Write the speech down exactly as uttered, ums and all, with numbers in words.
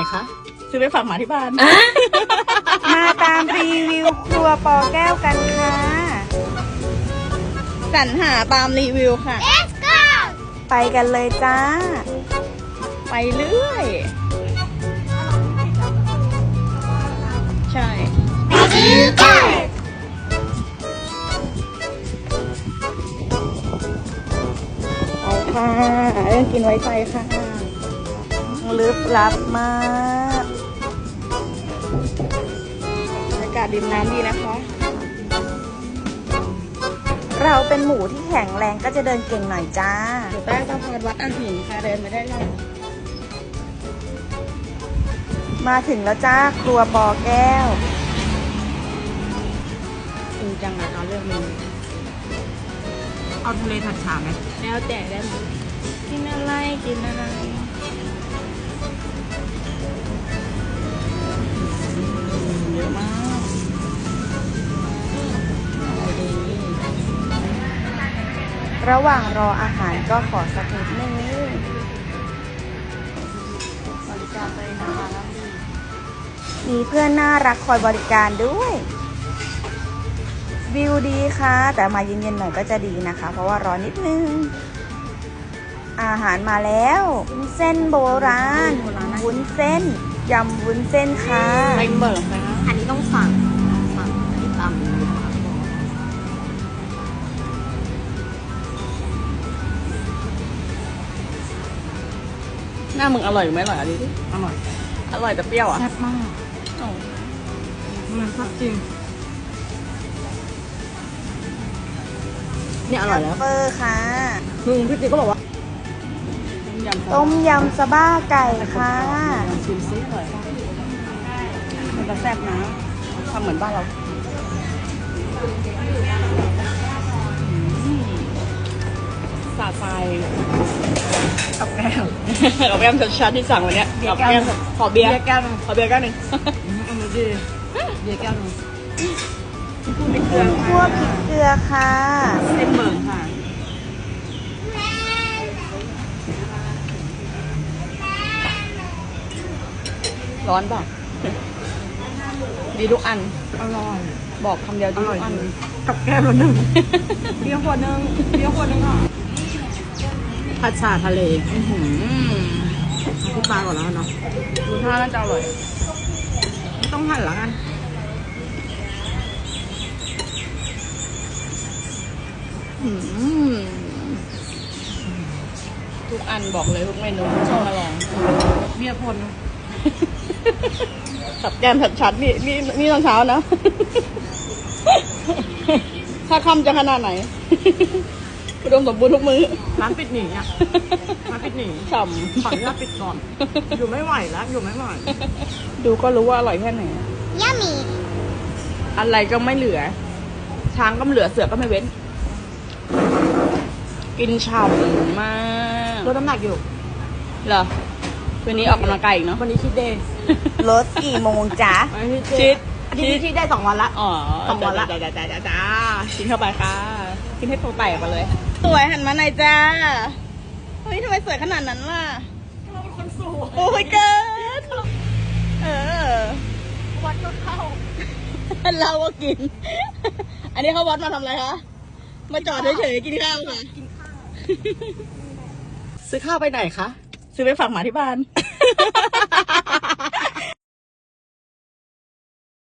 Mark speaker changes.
Speaker 1: คะซื้อไปฝากหมาที่บ้าน
Speaker 2: มาตามรีวิวครัวปอแก้วกันค่ะ
Speaker 1: สรรหาตามรีวิวค่ะ
Speaker 3: Let's go
Speaker 2: ไปกันเลยจ้า
Speaker 1: ไปเรื่อย ใช่
Speaker 3: Let's go
Speaker 1: ไปค่ะเรื่องกินไว้ใจค่ะ
Speaker 2: ลึกลับมาก
Speaker 1: บรรยากาศริมน้ำดีนะคะ
Speaker 2: เราเป็นหมูที่แข็งแรงก็จะเดินเก่งหน่อยจ้า
Speaker 1: อยู่ใต้สะพานวัดอันหินค่ะเดินไปได้เลย
Speaker 2: มาถึงแล้วจ้าครัวปอแก้ว
Speaker 1: จริงจังนะตอนเลือกเมนู
Speaker 4: เอาทะเลผัดฉ่าไหม
Speaker 1: แล้วแต่ได้หมดกินอะไรกินอะไรเยอะมากอะไรดี
Speaker 2: ระหว่างรออาหารก็ขอสักนิดนึง
Speaker 1: บริการเลยนะคะ
Speaker 2: มีเพื่อนน่ารักคอยบริการด้วยวิวดีค่ะ แต่มาเย็นๆหน่อยก็จะดีนะคะ เพราะว่าร้อนนิดนึง อาหารมาแล้ววุ้นเส้นโบราณวุ้นเส้นยำวุ้นเส้นค่ะ
Speaker 1: ไปเบิร์นะคะ
Speaker 4: อันนี้ต้องสั่งสั่งอันนี้ตำ
Speaker 1: หน้ามึงอร่อยไหมอร่อยอะไรดิ
Speaker 4: อร่อย
Speaker 1: อร่อยแต่เปรี้ยวอ่ะ
Speaker 4: แซ่บมาก
Speaker 1: อ๋อ
Speaker 4: มันแซ่บจริงเนี่ยอร่อยแล้ว
Speaker 2: เปอร์ค่ะ
Speaker 4: มึงพี่ติ๊กก็บอกว่า
Speaker 1: ต้มยำ
Speaker 2: ต้มยำสบ้าไก่ค่ะ
Speaker 1: ชิมซิอร่อยป่ะมันจะแซ่บนะทำเหมือนบ้านเราอืมสาดไฟ
Speaker 4: กับแก้ว
Speaker 1: กับแก้มชัดๆที่สั่งวันเนี้ย
Speaker 4: เบียร์
Speaker 1: กับ
Speaker 4: แก้ว
Speaker 1: แก้มขอเบียร์
Speaker 4: เบียร์แก้วหนึง
Speaker 1: ขอเบียร์แก้วหนึ่ง
Speaker 4: เอามาดิเบียร์แก้วหนึง
Speaker 2: คั่วพริกเกลือค่ะ
Speaker 1: เส้นเบิร์ค่ะร้อนเปล่ะดีทุกอัน
Speaker 4: อร่อย
Speaker 1: บอกคำเดียวดีทุกอัน
Speaker 4: กับแก้วละหนึ่งเบียร์ขวดหนึงเบียร์ขวดหนึงอ่ะผัดฉ่าทะเล
Speaker 1: อื้อหือ
Speaker 4: ที่ปลาก่อนแล้วเนาะ
Speaker 1: ดูท่าน่าจะอร่อย
Speaker 4: ไม่ต้องหั่นแล้วกัน
Speaker 1: อืมทุกอันบอกเลยทุกเมนูต้องมาลอง
Speaker 4: เบียร์ขวดหนึง
Speaker 1: กับแก้มชัดๆนี่นี่นี่ตอนเช้านะ ถ้าค่ำจะขนาดไหน อุดมสมบูรณ์ทุกมื้อ
Speaker 4: ร้านปิดหนีอ่ะร้านปิดหนี
Speaker 1: ฉ่
Speaker 4: ขออนุญาตปิดก่อน อยู่ไม่ไหวแล้ว อยู่ไม่ไหว
Speaker 1: ำดูก็รู้ว่าอร่อยแค่ไหน
Speaker 3: Yummy
Speaker 1: อะไรก็ไม่เหลือ ช้างก็ไม่เหลือเสือก็ไม่เว้น กินฉ่ำมาก
Speaker 4: ลดน้ำหนักอยู่
Speaker 1: เหรอคืนนี้ออกกำลังกายอีกเนาะ
Speaker 4: วันนี้คิดเดย์
Speaker 2: รถกี่โมงจ๊ะ
Speaker 4: วันนี้
Speaker 1: ชิด
Speaker 4: อันนี้คิดได้สองวันละ
Speaker 1: อ๋อ
Speaker 4: สองวันละ
Speaker 1: จ้าจ้าจ้าจ้าจ้ากินเข้าไปค่ะ กินให้ตัวแตกไปเลย สวยหันมาหน่อยจ้า เฮ้ยทำไมสวยขนาดนั้นล่ะ
Speaker 4: เราเป็นคนสวย
Speaker 1: โอ้ยเกินเออ
Speaker 4: วัดก็เข้า
Speaker 1: เราก็กิน อันนี้เขาวัดมาทำอะไรคะ มาจอดเฉยๆกินข้าวค่ะ
Speaker 4: กินข้าว
Speaker 1: ซื้อข้าวไปไหนคะ ซื้อไปฝากหมาที่บ้าน